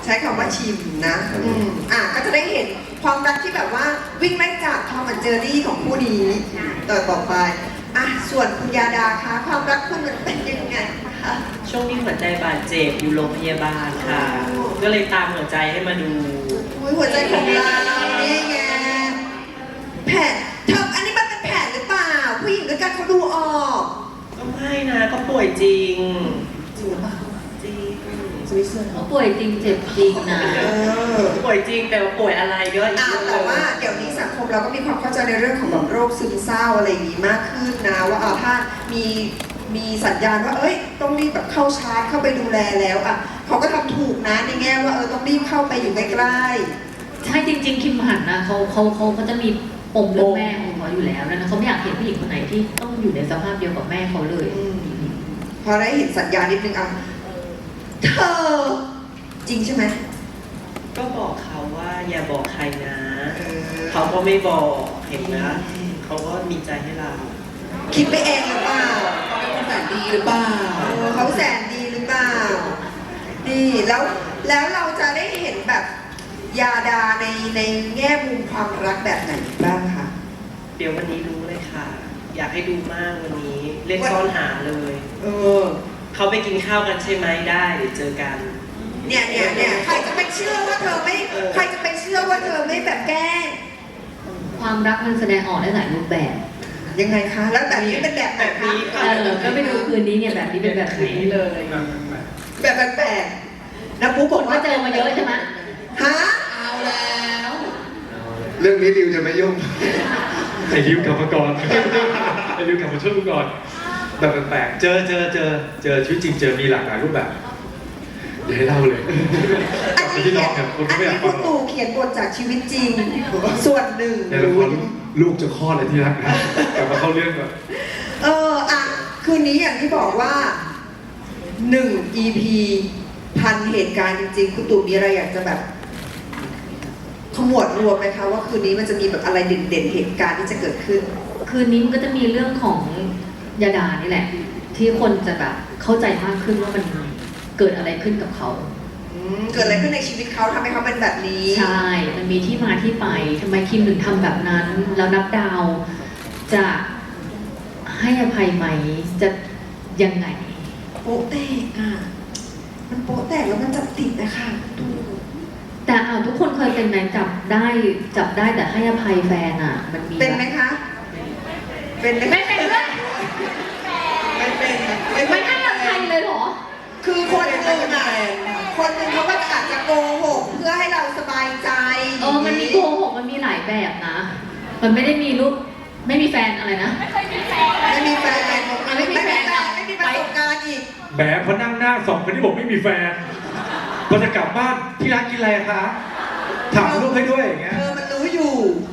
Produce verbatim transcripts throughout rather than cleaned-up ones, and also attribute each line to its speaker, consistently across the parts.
Speaker 1: ช้คำว่าชิมนะอืมอ่ะก็จะได้เห็นความรักที่แบบว่าวิ่งไล่จับทอมและเจอรี่ของคู่นี้ต่อต่อไปอ่ะส่วนคุณยาดาคะความรักคุณมันเป็นยังไงคะ
Speaker 2: ช่วงนี้หัวใจบาดเจ็บอยู่โรงพยาบาลค่ะ ก็เลยตามหัวใจให้มาดู
Speaker 1: อุ๊ยหัวใจของเรานี่ไงแผลเธออันนี้มันเป็นแผลหรือเปล่าผู้หญิงด้วยกันเขาดูออก
Speaker 2: ก็ไม่นะก็ป่วยจริง
Speaker 1: จริงหรือเปล่า
Speaker 2: จริง
Speaker 1: สวิตเซอร์แลน
Speaker 3: เขา
Speaker 1: ด์
Speaker 3: ป่วยจริงเจ็บจริงนะ
Speaker 1: เออ
Speaker 2: ป่วยจริงแต่ว่าป่วยอะไรก็อีก
Speaker 1: อ่ะ
Speaker 2: เรื่องห
Speaker 1: แต่
Speaker 2: นึ่ง
Speaker 1: ว่าเดี๋ยวนี้สังคมเราก็มีความเข้าใจในเรื่องของแบบโรคซึมเศร้าอะไรอย่างนี้มากขึ้นนะว่าอ่ะถ้ามีมีสัญญาณว่าเอ้ยต้องรีบแบบเข้าชาร์จเข้าไปดูแลแล้วอ่ะเขาก็ทำถูกนะในแง่ว่าเออต้องรีบเข้าไปอยู่ใกล้ๆ
Speaker 3: ใช่จริง ๆ คิมหันนะเขาเขาเขาเขาจะมีปมเรื่องแม่ของเขาอยู่แล้วนะเขาไม่อยากเห็นผู้หญิงคนไหนที่ต้องอยู่ในสภาพเดียวกับแม่เขาเลย
Speaker 1: อืมพอได้เห็นสัญญาณนิดนึงอ่ะเธอจริงใช่ไหม
Speaker 2: ก็บอกเขาว่าอย่าบอกใครนะ
Speaker 1: เออ
Speaker 2: เขาก็ไม่บอกเห็นนะเขาก็มีใจให้เรา
Speaker 1: คิดไปเองหรือเปล่า
Speaker 4: เขาเป็นคนแสนดีหรือเปล่า
Speaker 1: เออเขาแสนดีหรือเปล่านี่แล้วแล้วเราจะได้เห็นแบบยาดาในในแง่มุมความรักแบบไหนบ้างคะ
Speaker 2: เดี๋ยววันนี้รู้เลยค่ะ อยากให้ดูมากวันนี้เล่นซ่อนหาเลย
Speaker 1: เออ
Speaker 2: เขาไปกินข้าวกันใช่ไหมได้เดี๋ยวเจอกัน
Speaker 1: เนี่ยเนี่ยเนี่ยใครจะไปเชื่อว่าเธอไม่
Speaker 2: เออ
Speaker 1: ใครจะไปเชื่อว่าเธอไม่แบบแกล้ง
Speaker 3: ความรักมันแสดงออกได้หลายรูปแบบ
Speaker 1: ยังไงคะแล้วแบบนี้เป็นแบบไหน
Speaker 2: แบบ
Speaker 1: คะ
Speaker 2: นี้
Speaker 3: เออก็ไปดูคืนนี้เนี่ยแบบนี้เป็นแบบไหน
Speaker 2: นี้เลย
Speaker 1: แบบแปลกๆนะปุ๊บ
Speaker 3: ค
Speaker 1: บอก
Speaker 3: นก็
Speaker 1: ว่า
Speaker 3: เจอมาเยอะใช่ไหม
Speaker 1: ฮะ
Speaker 4: เอาแล้ว
Speaker 5: เรื่องนี้ริวจะไม่ยุ่ง
Speaker 6: ไอ้ริวกลับมาก่อน ไอ้ริวกลับมาช่วยกูก่อน แบบแปลกๆเจอเจอเจอเจอชีวิตจริงเจอมีหลากหลายรูปแบบอย่าให้เล่าเลยก
Speaker 1: อั
Speaker 6: ลั
Speaker 1: น
Speaker 6: บไป
Speaker 1: นี้
Speaker 6: ที่
Speaker 1: เขี
Speaker 6: น้
Speaker 1: ย
Speaker 6: อน งเนี่ยคน
Speaker 1: อั
Speaker 6: ก็
Speaker 1: น
Speaker 6: ไม่อยา
Speaker 1: นี้
Speaker 6: กฟั
Speaker 1: คุณ
Speaker 6: งหรอก
Speaker 1: ตู่เขียนบทจากชีวิตจริง ส่วนหนึ่ง
Speaker 6: ในละครลูกจะคลอดอะไรที่รักนะกลับมาเข้าเรื่องก่อน
Speaker 1: เอออ่ะคืนนี้อย่างที่บอกว่าหนึ่ง อี พี พันเหตุการณ์จริงๆ คุณตู่มีอะไรอยากจะแบบขมวดรวมไหมคะว่าคืนนี้มันจะมีแบบอะไรเด่นๆเหตุการณ์ที่จะเกิดขึ้น
Speaker 3: คืนนี้มันก็จะมีเรื่องของยาดานี่แหละ ที่คนจะแบบเข้าใจมากขึ้นว่ามันเกิดอะไรขึ้นกับเขา
Speaker 1: อืมเกิดอะไรขึ้นในชีวิตเขาทำให้เขาเป็นแบบนี้
Speaker 3: ใช่ มันมีที่มาที่ไปทำไมคิมถึงทำแบบนั้น แล้วนับดาวจะให้อภัยไหม จะยังไง
Speaker 1: โป๊ะแตกอ่ะ มันโป๊ะแตกแล้วมันจับติดนะคะคุณตู่
Speaker 3: แต่เอาทุกคนเคยเป็นไหมจับได้จับได้แต่ให้อภัยแฟนอ่ะ มันมี
Speaker 1: เป็นไหมคะ เป็นไหม
Speaker 3: ไม่เป็นด้วย
Speaker 1: ไม่เป็น
Speaker 3: ไม่ให้อภัยเลยเหรอ
Speaker 1: คือคนหนึ่งอ่ะคนหนึ่งเขาก็อาจจะโกหกเพื่อให้เราสบายใจ
Speaker 3: เออ มันมีโกหกมันมีหลายแบบนะ มันไม่ได้มีรูปไม่มีแฟนอะไรนะ
Speaker 1: ไม่มีแฟน
Speaker 3: ไม่มีแฟน
Speaker 1: ไม่มีแฟนไม่มีประสบการณ์อีก
Speaker 6: แหมพอนั่งหน้าสองคนที่บอกไม่มีแฟนพอจะกลับบ้านที่รักกินอะไรคะ ถามลูกให้ด้วยอย่างเงี้ย
Speaker 1: เธอมันรู้อยู่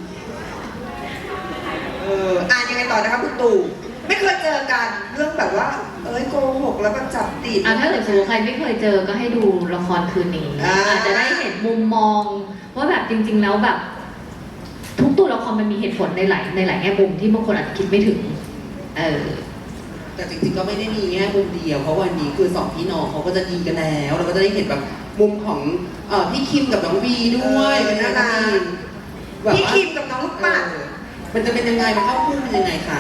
Speaker 1: เอออ่านยังไงต่อนะคะคุณตู่ ไม่เคยเจอกันเรื่องแบบว่า เอ้ยโกหกแล้วก็จับติด
Speaker 3: อ่ะถ้าเกิดสมมติใครไม่เคยเจอก็ให้ดูละครคืนนี้
Speaker 1: อ่า
Speaker 3: อาจจะได้เห็นมุมมอง ว่าแบบจริง ๆ แล้วแบบ ทุกตัวละครมันมีเหตุผลในหลายในหลายแง่มุมที่บางคนอาจจะคิดไม่ถึง เออ
Speaker 4: แต่จริงๆก็ไม่ได้มีแง่มุมเดียว เพราะวันนี้คือสองพี่น้องเขาก็จะดีกันแล้ว เราก็จะได้เห็นแบบมุมของเอ่อพี่คิมกับน้องวีด้วย
Speaker 1: เออ
Speaker 4: เป็นน่ารัก
Speaker 1: พี่คิมกับน้องลูกปัด
Speaker 4: มันจะเป็นยังไง มันเข้าคู่เป็นยังไงคะ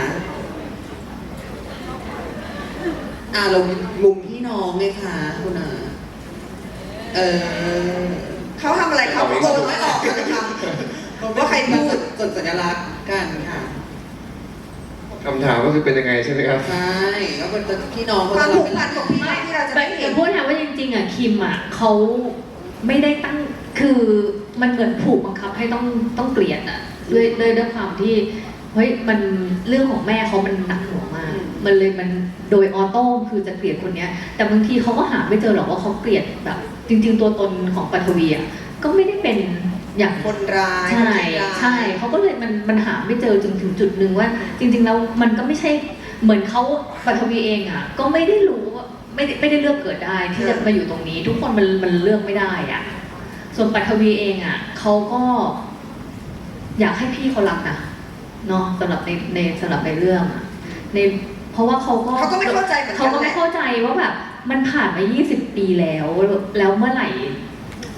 Speaker 4: อ่าเรามุมพี่น้องไงคะคุณอาเออ
Speaker 1: เขาทำอะไรเขาโกนไม่ออกเลยค่ะว่าใครพูด
Speaker 4: กดสัญลักษณ์กันค่ะ
Speaker 5: คำถามก็คือเป็นยังไงใช่ไหมครับ
Speaker 4: ใช่แล้วมันจะพี่น้อง
Speaker 1: ความ
Speaker 4: จะ
Speaker 1: ผูกพันของพี่น้องที่เราจะ
Speaker 3: แต่
Speaker 1: ได้เห็
Speaker 3: แต่
Speaker 1: น
Speaker 3: พูดนะว่าจริงๆอ่ะคิมอ่ะเขาไม่ได้ตั้งคือมันเหมือนผูกบังคับให้ต้องต้องเกลียดอ่ะด้วยด้วยด้วยความที่เฮ้ยมันเรื่องของแม่เขามันหนักหน่วงมาก มันเลยมันโดยออโต้คือจะเกลียดคนเนี้ย แต่บางทีเขาก็หาไม่เจอหรอกว่าเขาเกลียดแบบ จริง ๆ ตัวตนของปัทวีอ่ะก็ไม่ได้เป็นอย่าง
Speaker 1: คนร้าย
Speaker 3: ใช่
Speaker 1: คนร้าย
Speaker 3: ใช่เขาก็เลยมันมันหาไม่เจอจนถึงจุดหนึ่งว่า จริง ๆ แล้วมันก็ไม่ใช่เหมือนเขาปัทวีเองอ่ะ ก็ไม่ได้รู้ว่าไม่ได้ไม่ได้เลือกเกิดได้ที่จะมาอยู่ตรงนี้ ทุกคนมันมันเลือกไม่ได้อ่ะ ส่วนปัทวีเองอ่ะเขาก็ อยากให้พี่เขารักนะเนาะสำหรับในในสำหรับในเรื่องอะในเพราะว่าเขาก็
Speaker 1: เขาก็ไม่เข้าใจเหมือนกัน
Speaker 3: เขาก็ไม่
Speaker 1: แหละ
Speaker 3: เข้าใจว่าแบบมันผ่านมายี่สิบปีแล้ว แล้วเมื่อไหร่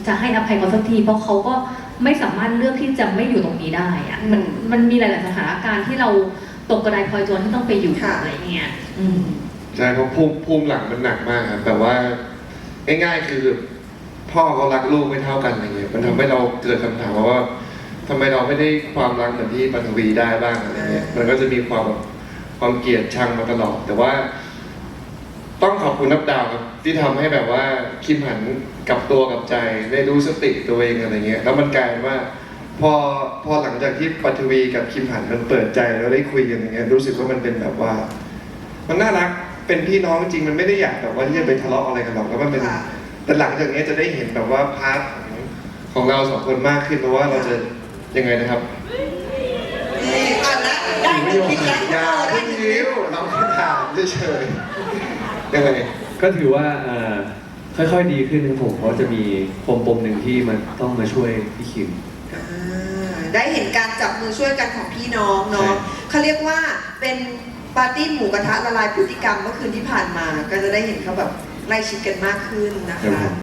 Speaker 3: จะให้อภัยเขาสักทีเพราะเขาก็ไม่สามารถเลือกที่จะไม่อยู่ตรงนี้ได้อะมันมันมีหลายๆสถานการณ์ที่เราตกกระไดพลอยโจรที่ต้องไปอยู่อะไรเงี้ยอืม
Speaker 5: ใช่เพราะภูมิภูมิหลังมันหนักมากครับแบบว่าง่ายๆคือพ่อเขารักลูกไม่เท่ากันอะไรเงี้ยมันทำให้เราเกิดคำถามว่าทำไมเราไม่ได้ความรักเหมือนที่ปฐวีได้บ้างอะไรเงี้ยมันก็จะมีความแบบความเกลียดชังมาตลอดแต่ว่า ต้องขอบคุณนับดาวครับที่ทำให้แบบว่าคิมหันกลับตัวกลับใจได้รู้สติตัวเองอะไรเงี้ยแล้วมันกลายเป็นว่า พอพอหลังจากที่ปฐวีกับคิมหันมันเปิดใจแล้วได้คุยกันอย่างเงี้ยรู้สึกว่ามันเป็นแบบว่า มันน่ารักเป็นพี่น้องจริงมันไม่ได้อยากแบบว่าที่จะไปทะเลาะอะไรกันหรอกแล้วมันเป็นแต่หลังจากนี้จะได้เห็นแบบว่าพาร์ทของของเราสองคนมากขึ้นเพราะว่าเราจะยังไงนะครับ
Speaker 1: นี่อ่ะแล้วได้หนึ่งคิดแล้ว
Speaker 5: อย่า
Speaker 1: ได้
Speaker 5: เพิ่ง
Speaker 1: หนึ่ง
Speaker 5: ยิ้วเราแค่ถามเฉยๆยังไง
Speaker 7: ก็ถือว่าเอ่อค่อยๆดีขึ้นครับผมเพราะจะมีปมปมๆหนึ่งที่มันต้องมาช่วยพี่คิม
Speaker 1: อ่าได้เห็นการจับมือช่วยกันของพี่น้องเนาะ
Speaker 5: ใช่
Speaker 1: เขาเรียกว่าเป็นปาร์ตี้หมูกระทะละลายพฤติกรรมเมื่อคืนที่ผ่านมา ก็จะได้เห็นเขาแบบใกล้ชิดกันมากขึ้นนะคะ